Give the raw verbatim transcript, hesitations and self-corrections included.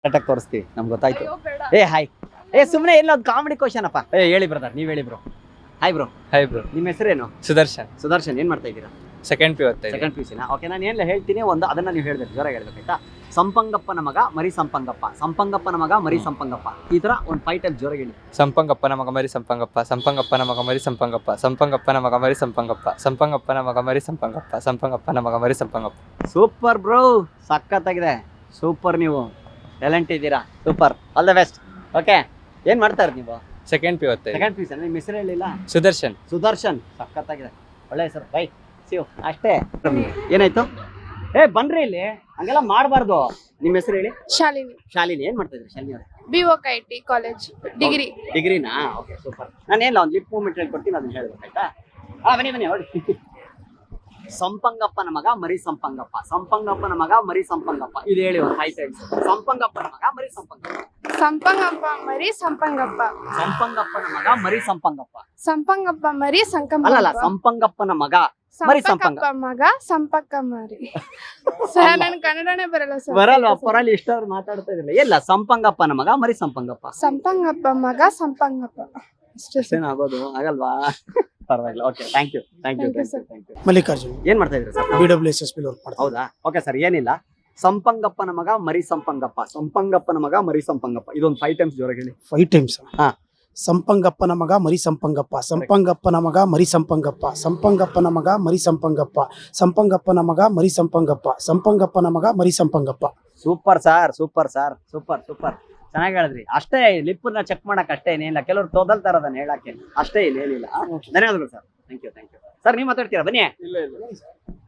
ಕರೆಕ್ಟಾಗಿ ತೋರಿಸ್ತೀವಿ ನಮ್ಗೆ ಗೊತ್ತಾಯ್ತು. ಏ ಹಾಯ್ ಏ ಸುಮ್ಮನೆ ಎಲ್ಲ ಒಂದು ಕಾಮಿಡಿ ಕ್ವಶನ್ ಅಪ್ಪ. ಏ ಹೇಳಿ ಬ್ರದರ್, ನೀವು ಹೇಳಿ bro. Hi bro. Hi bro. ನಿಮ್ಮ ಹೆಸರೇನು? ಸುದರ್ಶನ್. ಸುದರ್ಶನ್, ಏನ್ ಮಾಡ್ತಾ ಇದ್ದೀರಾ? ಸೆಕೆಂಡ್ ಪಿ ಓದ್ತಾ ಸೆಕೆಂಡ್ ಪಿ ಯು ಸಿನ? ಓಕೆ, ನಾನು ಏನೆಲ್ಲ ಹೇಳ್ತೀನಿ ಒಂದು ಅದನ್ನ ನೀವು ಹೇಳ್ಬೇಕು, ಜ್ವರ ಹೇಳ್ಬೇಕಾಯ್ತಾ? ಸಂಪಂಗಪ್ಪನ ಮಗ ಮರಿ ಸಂಪಂಗಪ್ಪ, ಸಂಪಂಗಪ್ಪನ ಮಗ ಮರಿ ಸಂಪಂಗಪ್ಪ, ಈ ತರ ಒಂದು ಫೈವ್ ಟೈಪ್ ಜ್ವರ ಹೇಳಿ. ಸಂಪಂಗಪ್ಪನ ಮಗ ಮರಿ ಸಂಪಂಗಪ್ಪ, ಸಂಪಂಗಪ್ಪನ ಮಗ ಮರಿ ಸಂಪಂಗಪ್ಪ, ಸಂಪಂಗಪ್ಪನ ಮಗ ಮರಿ ಸಂಪಂಗಪ್ಪ, ಸಂಪಂಗಪ್ಪನ ಮಗ ಮರಿ ಸಂಪಂಗಪ್ಪ, ಸಂಪಂಗಪ್ಪನ ಮಗ ಮರಿ ಸಂಪಂಗಪ್ಪ. ಸೂಪರ್ ಬ್ರೋ, ಸಖತ್ತಾಗಿದೆ, ಸೂಪರ್, ನೀವು ಟ್ಯಾಲೆಂಟ್ ಇದ್ದೀರಾ, super, all the best. Okay, ಏನ್ ಮಾಡ್ತಾರೆ ನೀವು? ಸೆಕೆಂಡ್ ಪಿ ಓದ್ತಾ ಸೆಕೆಂಡ್ ಪಿ ಯು ಸಿ. ನಿಮ್ಮ ಹೆಸರು ಹೇಳಿಲ್ಲ? ಸುದರ್ಶನ್. ಸುದರ್ಶನ್, ಸಖತ್ತಾಗಿದೆ, ಒಳ್ಳೆ ಹೆಸರು. ಬೈ ಸಿವ್ ಅಷ್ಟೇ. ಏನಾಯ್ತು? ಏ ಬನ್ರಿ ಇಲ್ಲಿ, ಹಂಗೆಲ್ಲ ಮಾಡಬಾರ್ದು. ನಿಮ್ಮ ಹೆಸರು ಹೇಳಿ? ಶಾಲಿನಿ. ಶಾಲಿನಿ, ಏನ್ ಮಾಡ್ತಾ ಇದ್ರಿ ಶಾಲಿನಿ ಅವರೇ? ಬಿಒಕ್ ಐ ಟಿ ಕಾಲೇಜ್ ಡಿಗ್ರಿ. ಡಿಗ್ರಿನಾ? Okay, super. ನಾನು ಏನಿಲ್ಲ ಒಂದು ಲಿಪ್ ಮೂವ್ಮೆಂಟ್ ಹೇಳ್ಕೊಡ್ತೀನಿ, ಅದನ್ನ ಹೇಳ್ಬೇಕಾಯ್ತಾ? ಹಾ, ಬನ್ನಿ ಬನ್ನಿ ಹೊಡಿ. ಸಂಪಂಗಪ್ಪನ ಮಗ ಮರಿ ಸಂಪಂಗಪ್ಪ, ಸಂಪಂಗಪ್ಪನ ಮಗ ಮರಿ ಸಂಪಂಗಪ್ಪ, ಇದು ಹೇಳಿ ಒಂದು ಫೈವ್ ಟೈಮ್ಸ್. ಸಂಪಂಗಪ್ಪನ ಮಗ ಮರಿ ಸಂಪಂಗಪ್ಪ, ಸಂಪಂಗಪ್ಪ ಮರಿ ಸಂಪಂಗಪ್ಪ, ಸಂಪಂಗಪ್ಪನ ಮಗ ಮರಿ ಸಂಪಂಗಪ್ಪ, ಸಂಪಂಗಪ್ಪ ಮರಿ ಸಂಕಂಪ. ಅಲ್ಲಲ್ಲ, ಸಂಪಂಗಪ್ಪನ ಮಗ ಮರಿ ಸಂಪಂಗ. ಸಂಪಂಗಪ್ಪ ಮಗ ಸಂಪಕ್ಕ ಮರಿ. ಸರ್ ನನ್ ಕನ್ನಡನೇ ಬರಲ್ಲ ಸರ್. ಬರಲ್ವಾ? ಪರಲ್ಲ, ಇಷ್ಟವ್ರು ಮಾತಾಡ್ತಾ ಇದ್ರಲ್ಲ. ಎಲ್ಲ ಸಂಪಂಗಪ್ಪನ ಮಗ ಮರಿ ಸಂಪಂಗಪ್ಪ, ಸಂಪಂಗಪ್ಪ ಮಗ ಸಂಪಂಗಪ್ಪ, ಅಷ್ಟೇ ಸರ್. ಆಗೋದು ಆಗಲ್ವಾ? ಪರವಾಗಿಲ್ಲ. Okay, thank you thank you Thank you, sir. Thank you. Mallikarjun, ಏನ್ ಮಾಡ್ತಾ ಇದ್ರಿ sir? B W S S P work ಮಾಡ್ತಾರೆ. ಹೌದಾ? ಓಕೆ ಸರ್, ಏನಿಲ್ಲ, ಸಂಪಂಗಪ್ಪನ ಮಗ ಮರಿ ಸಂಪಂಗಪ್ಪ, ಸಂಪಂಗಪ್ಪನ ಮಗ ಮರಿ ಸಂಪಂಗಪ್ಪ, ಇದೊಂದು ಫೈವ್ ಟೈಮ್ಸ್ ಜೋರ ಹೇಳಿ. Five times. ಹಾ. ಸಂಪಂಗಪ್ಪನ ಮಗ ಮರಿ ಸಂಪಂಗಪ್ಪ, ಸಂಪಂಗಪ್ಪನ ಮಗ ಮರಿ ಸಂಪಂಗಪ್ಪ, ಸಂಪಂಗಪ್ಪನ ಮಗ ಮರಿ ಸಂಪಂಗಪ್ಪ, ಸಂಪಂಗಪ್ಪನ ಮಗ ಮರಿ ಸಂಪಂಗಪ್ಪ, ಸಂಪಂಗಪ್ಪನ ಮಗ ಮರಿ Sampangappa. Super sir, super sir, super super, ಚೆನ್ನಾಗಿ ಹೇಳಿದ್ರಿ. ಅಷ್ಟೇ, ಲಿಪ್ಪನ್ನ ಚೆಕ್ ಮಾಡಕ್ ಅಷ್ಟೇ, ಏನಿಲ್ಲ. ಕೆಲವರು ತೋದಲ್ತಾರ ಅದನ್ನ ಹೇಳಕ್ಕೆ, ಅಷ್ಟೇ, ಇಲ್ಲಿ ಹೇಳಿಲ್ಲ. ಧನ್ಯವಾದಗಳು sir, thank you thank you. Sir ನೀವು ಮಾತಾಡ್ತೀರಾ? ಬನ್ನಿ. ಇಲ್ಲ ಇಲ್ಲ